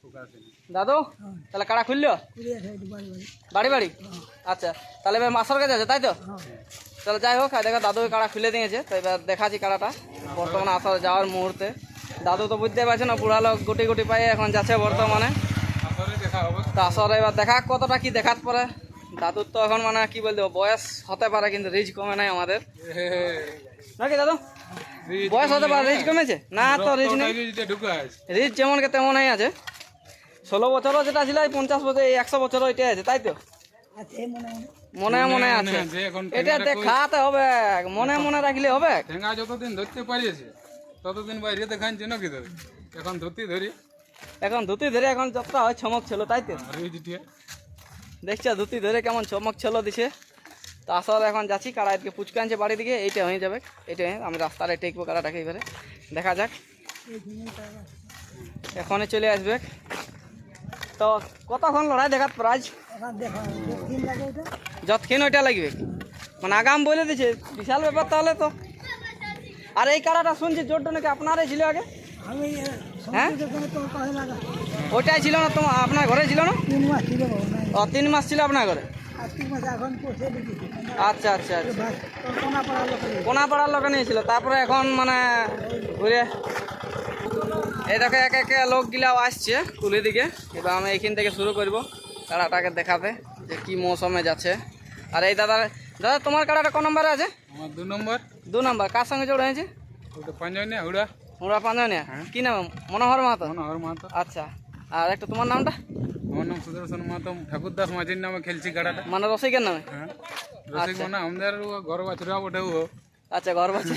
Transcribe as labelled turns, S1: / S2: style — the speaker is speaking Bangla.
S1: দাদু তাহলে কাড়া খুললো বাড়ি বাড়ি? আচ্ছা, তাহলে এবার মাসের কাছে আছে তাই তো? তাহলে যাই হোক, দেখো দাদু কাড়া খুলে দিয়েছে, তো এবার দেখাচ্ছি কাড়াটা বর্তমানে আসার যাওয়ার মুহূর্তে। দাদু তো বুঝতে পারছে না, বুড়া লোক গুটি গুটি পাই এখন যাচ্ছে বর্তমানে। তো আসলে এবার দেখা কতটা কি দেখাত পরে। দাদুর তো এখন মানে কি বলতে বয়স হতে পারে, কিন্তু রিচ কমে নাই আমাদের নাকি দাদু? বয়স হতে পারে, রিচ কমেছে না? তো রিচ নেই, রিচ যেমন কে তেমনই আছে। 16 বছরও যেটা ছিল, 50 বছর, 100 বছরও এটাই আছে তাই তো? মনে মনে আছে, এটা দেখাতে হবে, মনে মনে রাখলে হবে।
S2: ঠেঙ্গা যতদিন ধরতে পারিয়েছে ততদিন বাইরে দেখাচ্ছে নাকি ধরে, এখন ধরতে ধরি,
S1: এখন ধুতি ধরে এখন যতটা হয় চমক ছিল তাই তো? দেখছো ধুতি ধরে কেমন চমক ছিল দিছে। তো আসলে এখন যাচ্ছি, কাড়া এদিকে পুচকা আনছে বাড়ি দিকে, এইটা হয়ে যাবে, এইটা আমি রাস্তায় টেকবো কাড়াটাকে, এবারে দেখা যাক, এখনই চলে আসবে। তো কতক্ষণ লড়াই দেখাত প্রাইজ? যতক্ষণ ওইটা লাগবে, মানে আগাম বলে দিছে, বিশাল ব্যাপার তাহলে তো। আর এই কাড়াটা শুনছি জোরটা নাকি আপনারই ছিল আগে? হ্যাঁ, ওইটাই ছিল না তোমার, আপনার ঘরে ছিল না? 3 মাস ছিল আপনার ঘরে? আচ্ছা আচ্ছা আচ্ছা, কোনাপাড়ার লোকে নিয়েছিল, তারপরে এখন মানে ঘুরে এই দেখো একে একে লোকগুলাও আসছে কুলি দিকে। এবার আমি এইখান থেকে শুরু করবো কাড়াটাকে দেখাতে যে কি মৌসুমে যাচ্ছে। আর এই দাদা, দাদা তোমার কাড়াটা কোন নম্বরে আছে?
S2: আমার 2 নম্বর।
S1: 2 নম্বর, কার সঙ্গে জোড়া হয়েছে?
S2: ওটা পাঞ্জাবিয়া হুড়া।
S1: হুড়া পাঞ্জানিয়া, কি নাম? মনোহর মাহাতো।
S2: মনোহর মাহাতো।
S1: আচ্ছা, আর একটা তোমার নামটা?
S2: আমার নাম সুদর্শন মাহাতো, ঠাকুরদাস মাঝির নামে খেলছি কাড়াটা।
S1: মানে রসিকের নামে?
S2: হ্যাঁ, রসিক মানে আমাদের ঘর বাছুরা ওঠে।
S1: আচ্ছা, ঘর বাচ্চা